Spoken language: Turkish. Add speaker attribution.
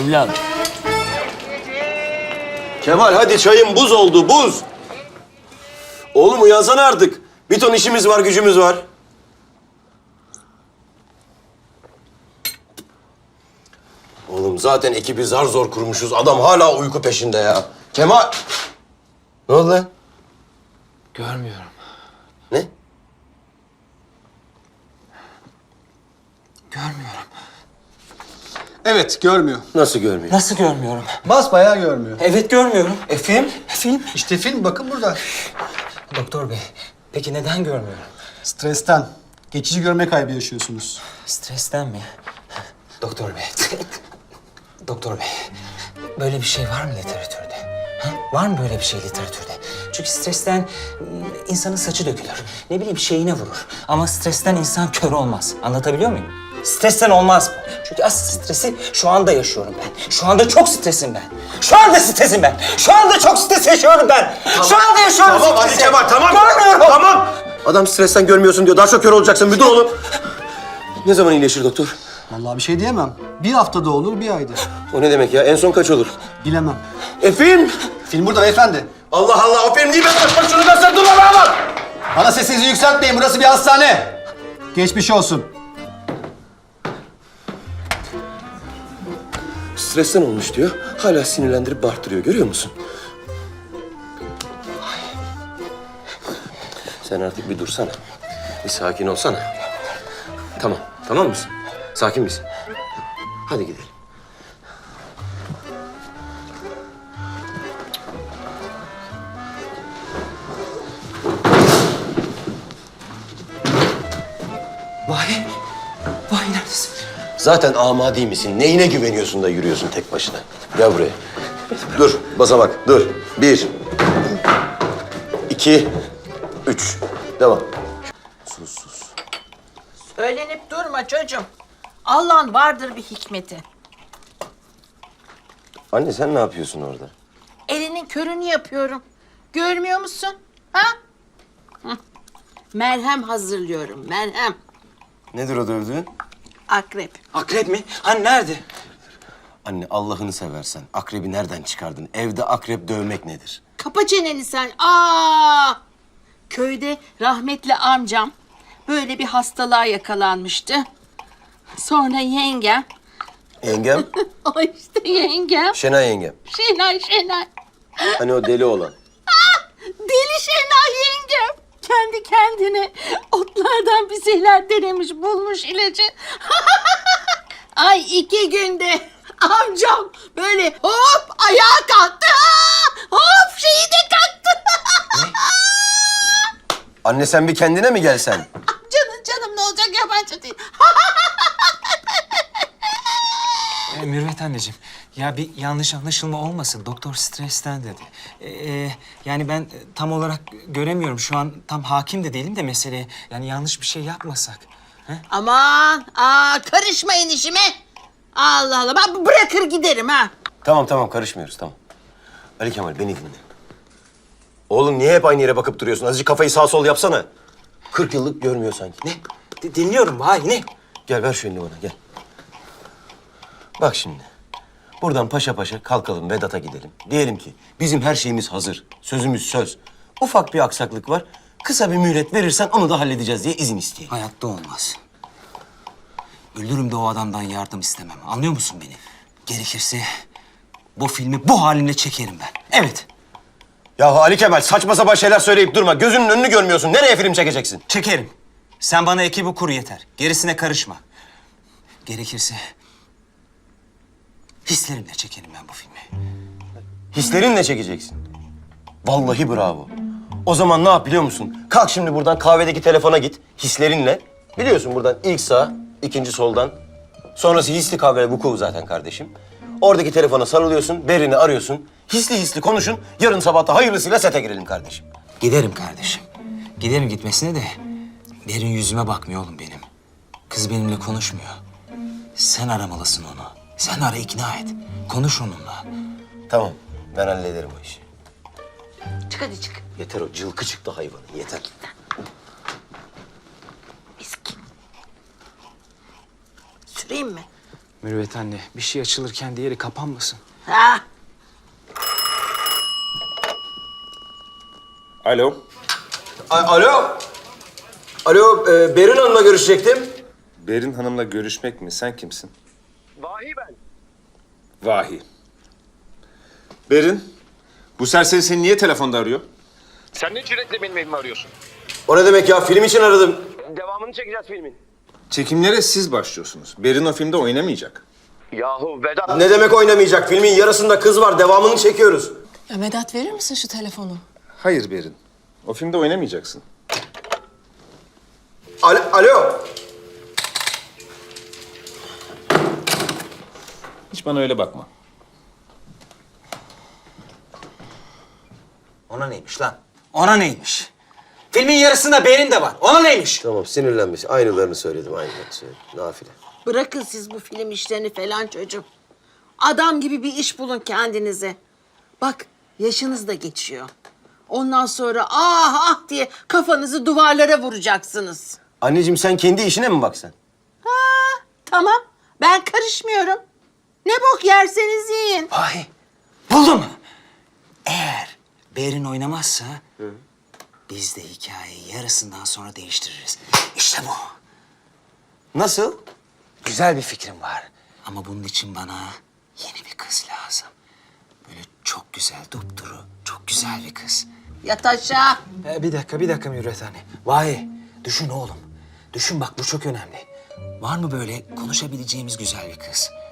Speaker 1: evladım.
Speaker 2: Kemal hadi çayın buz oldu, buz. Oğlum uyansana artık. Bir ton işimiz var, gücümüz var. Oğlum zaten ekibi zar zor kurmuşuz. Adam hala uyku peşinde ya. Kemal! Ne oldu lan?
Speaker 1: Görmüyorum.
Speaker 2: Ne?
Speaker 1: Görmüyorum.
Speaker 3: Evet, görmüyor.
Speaker 2: Nasıl görmüyor?
Speaker 1: Nasıl görmüyorum?
Speaker 3: Basbayağı görmüyor.
Speaker 1: Evet görmüyorum. Film? Film.
Speaker 3: İşte film, bakın burada.
Speaker 1: Doktor bey, peki neden görmüyorum?
Speaker 3: Stresten. Geçici görme kaybı yaşıyorsunuz.
Speaker 1: Stresten mi? Doktor bey. Doktor bey, böyle bir şey var mı literatürde? Ha? Var mı böyle bir şey literatürde? Çünkü stresten insanın saçı dökülür. Ne bileyim şeyine vurur. Ama stresten insan kör olmaz. Anlatabiliyor muyum? Stresten olmaz bu. Çünkü asıl stresi şu anda yaşıyorum ben. Şu anda çok stresim ben. Şu anda stresim ben. Şu anda çok stres yaşıyorum ben. Şu anda yaşıyorum
Speaker 2: Tamam hadi
Speaker 1: stresi.
Speaker 2: Kemal, tamam.
Speaker 1: Görmüyorum.
Speaker 2: Tamam. Adam stresten görmüyorsun diyor. Daha çok kör olacaksın. Bir dur oğlum. Ne zaman iyileşir doktor?
Speaker 3: Vallahi bir şey diyemem. Bir haftada olur, bir ayda.
Speaker 2: O ne demek ya? En son kaç olur?
Speaker 3: Bilemem.
Speaker 2: Film!
Speaker 3: Film burada beyefendi.
Speaker 2: Allah Allah, o film değil. Ben şunu göster, dur bana.
Speaker 3: Bana sesinizi yükseltmeyin, burası bir hastane. Geçmiş olsun.
Speaker 2: Stresten olmuş diyor. Hala sinirlendirip bağırtırıyor. Görüyor musun? Sen artık bir dursana. Bir sakin olsana. Tamam. Tamam mısın? Sakin misin? Hadi gidelim.
Speaker 1: Vay neredesin?
Speaker 2: Zaten amadi misin? Neyine güveniyorsun da yürüyorsun tek başına? Gel buraya. Dur, basamak. Dur. 1, 2, 3. Devam. Sus.
Speaker 4: Söylenip durma çocuğum. Allah'ın vardır bir hikmeti.
Speaker 2: Anne sen ne yapıyorsun orada?
Speaker 4: Elinin körünü yapıyorum. Görmüyor musun? Ha? Hı. Merhem hazırlıyorum, merhem.
Speaker 2: Nedir o dövdüğün?
Speaker 4: Akrep.
Speaker 1: Akrep mi? Hani nerede?
Speaker 2: Anne Allah'ını seversen akrebi nereden çıkardın? Evde akrep dövmek nedir?
Speaker 4: Kapa çeneni sen. Aa! Köyde rahmetli amcam böyle bir hastalığa yakalanmıştı. Sonra yengem,
Speaker 2: Yengem,
Speaker 4: o işte yengem,
Speaker 2: Şenay yengem.
Speaker 4: Şenay.
Speaker 2: Hani o deli olan.
Speaker 4: Deli Şenay yengem. Kendi kendine otlardan bir şeyler denemiş, bulmuş ilacı. Ay 2 günde amcam böyle hop ayağa kalktı. Hop şeyi de kalktı.
Speaker 2: Anne sen bir kendine mi gelsen?
Speaker 4: Canım ne olacak yabancı değil.
Speaker 1: Mürvet anneciğim, ya bir yanlış anlaşılma olmasın. Doktor stresten dedi. Yani ben tam olarak göremiyorum. Şu an tam hakim de değilim de meseleye. Yani yanlış bir şey yapmasak. He?
Speaker 4: Aman karışmayın işime. Allah Allah ben bırakır giderim ha.
Speaker 2: Tamam karışmıyoruz tamam. Ali Kemal beni dinle. Oğlum niye hep aynı yere bakıp duruyorsun? Azıcık kafayı sağ sol yapsana. 40 yıllık görmüyor sanki. Ne?
Speaker 1: Dinliyorum vay ne?
Speaker 2: Gel ver şu elini bana gel. Bak şimdi. Buradan paşa paşa kalkalım Vedat'a gidelim. Diyelim ki bizim her şeyimiz hazır. Sözümüz söz. Ufak bir aksaklık var. Kısa bir mühlet verirsen onu da halledeceğiz diye izin isteyeyim.
Speaker 1: Hayatta olmaz. Ölürüm de o adamdan yardım istemem. Anlıyor musun beni? Gerekirse bu filmi bu halimle çekerim ben. Evet.
Speaker 2: Ya Ali Kemal saçma sapan şeyler söyleyip durma. Gözünün önünü görmüyorsun. Nereye film çekeceksin?
Speaker 1: Çekerim. Sen bana ekibi kur yeter. Gerisine karışma. Gerekirse hislerimle çekerim ben bu filmi.
Speaker 2: Hislerinle çekeceksin. Vallahi bravo. O zaman ne yap biliyor musun? Kalk şimdi buradan kahvedeki telefona git. Hislerinle. Biliyorsun buradan ilk sağ, ikinci soldan. Sonrası hisli kahve vuku zaten kardeşim. Oradaki telefona sarılıyorsun, Berin'i arıyorsun. Hisli konuşun. Yarın sabah da hayırlısıyla sete girelim kardeşim.
Speaker 1: Giderim kardeşim. Giderim gitmesine de Berin yüzüme bakmıyor oğlum benim. Kız benimle konuşmuyor. Sen aramalısın onu. Sen ara ikna et. Konuş onunla.
Speaker 2: Tamam, ben hallederim o işi.
Speaker 4: Çık hadi çık.
Speaker 2: Yeter o cılkı çıktı hayvanın, yeter.
Speaker 4: Miskin. Süreyim mi?
Speaker 1: Mürüvvet anne, bir şey açılırken diğeri kapanmasın.
Speaker 4: Ha,
Speaker 5: Alo.
Speaker 2: Alo. Alo, Berin Hanım'la görüşecektim.
Speaker 5: Berin Hanım'la görüşmek mi? Sen kimsin?
Speaker 2: Vahi ben.
Speaker 5: Vahi. Berin, bu serseri seni niye telefonda arıyor?
Speaker 6: Sen ne cüretle benim evimi arıyorsun?
Speaker 2: O ne demek ya? Film için aradım. Devamını çekeceğiz filmin.
Speaker 5: Çekimlere siz başlıyorsunuz. Berin o filmde oynamayacak.
Speaker 6: Yahu Vedat.
Speaker 2: Ne demek oynamayacak? Filmin yarısında kız var. Devamını çekiyoruz.
Speaker 7: Ya Vedat verir misin şu telefonu?
Speaker 5: Hayır Berin. O filmde oynamayacaksın.
Speaker 2: Alo.
Speaker 5: Hiç bana öyle bakma.
Speaker 1: Ona neymiş lan? Ona neymiş? Filmin yarısında Berin de var. Ona neymiş?
Speaker 2: Tamam, sinirlenmiş. Aynılarını söyledim, aynılarını söyledim. Nafile.
Speaker 4: bırakın siz bu film işlerini falan çocuğum. Adam gibi bir iş bulun kendinize. Bak yaşınız da geçiyor. Ondan sonra ah ah diye kafanızı duvarlara vuracaksınız.
Speaker 2: Anneciğim sen kendi işine mi baksan?
Speaker 4: Tamam ben karışmıyorum. Ne bok yerseniz yiyin.
Speaker 1: Vahi, buldum. Eğer Berin oynamazsa... biz de hikayeyi yarısından sonra değiştiririz. İşte bu.
Speaker 2: Nasıl?
Speaker 1: Güzel bir fikrim var. Ama bunun için bana yeni bir kız lazım. Böyle çok güzel, dupduru, çok güzel bir kız.
Speaker 4: Yat aşağı.
Speaker 1: Bir dakika Mürüvvet anne. Vahi, düşün oğlum. Düşün bak bu çok önemli. Var mı böyle konuşabileceğimiz güzel bir kız?